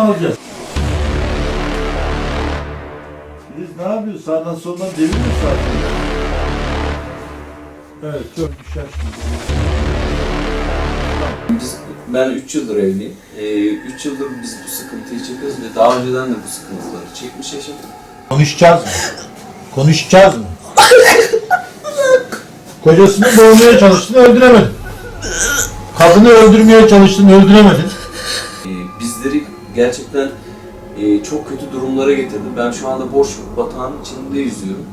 alacağız? Filiz ne yapıyorsun? Sağdan soldan devir mi sarsın? Evet, çok düşer şimdi. Ben 3 yıldır evliyim. 3 yıldır biz bu sıkıntıyı çekiyoruz ve daha önceden de bu sıkıntıları çekmiş yaşadık. Konuşacağız mı? Konuşacağız mı? Kocasını boğmaya çalıştın, öldüremedin. Kadını öldürmeye çalıştın, öldüremedin. Bizleri gerçekten çok kötü durumlara getirdi. Ben şu anda borç batağının içinde yüzüyorum.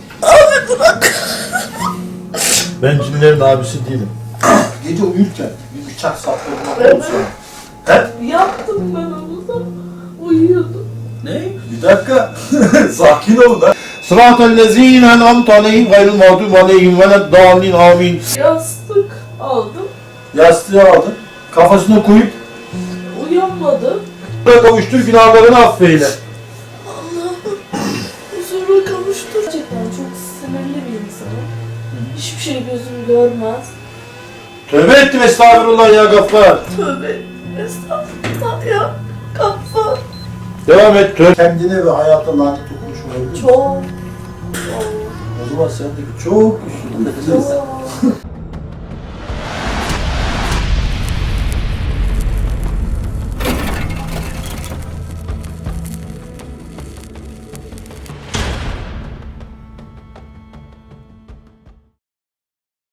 Ben cinlerin abisi değilim. Gece uyurken bir bıçak saplamak olsa. He? Yaptım ben onu da uyuyordum. Ne? Bir dakika. Sakin ol da. Sıratellezîne en'amte aleyhim gayril mağdûbi aleyhim veleddâllîn amin. Yastık aldım. Yastığı aldın. Kafasına koyup Uyanmadı. kavuştur, günahlarını affeyle. Allah'ım huzura kavuştur. Gerçekten çok sinirli bir insanım. Hiçbir şey gözüm görmez. Tövbe ettim, estağfurullah ya Gaffar. Tövbe estağfurullah ya. Kafa. Devam et. Kendine ve hayata lanet okumuş olabilir misin? Çok. O zaman sendeki çok güçlü. Çok.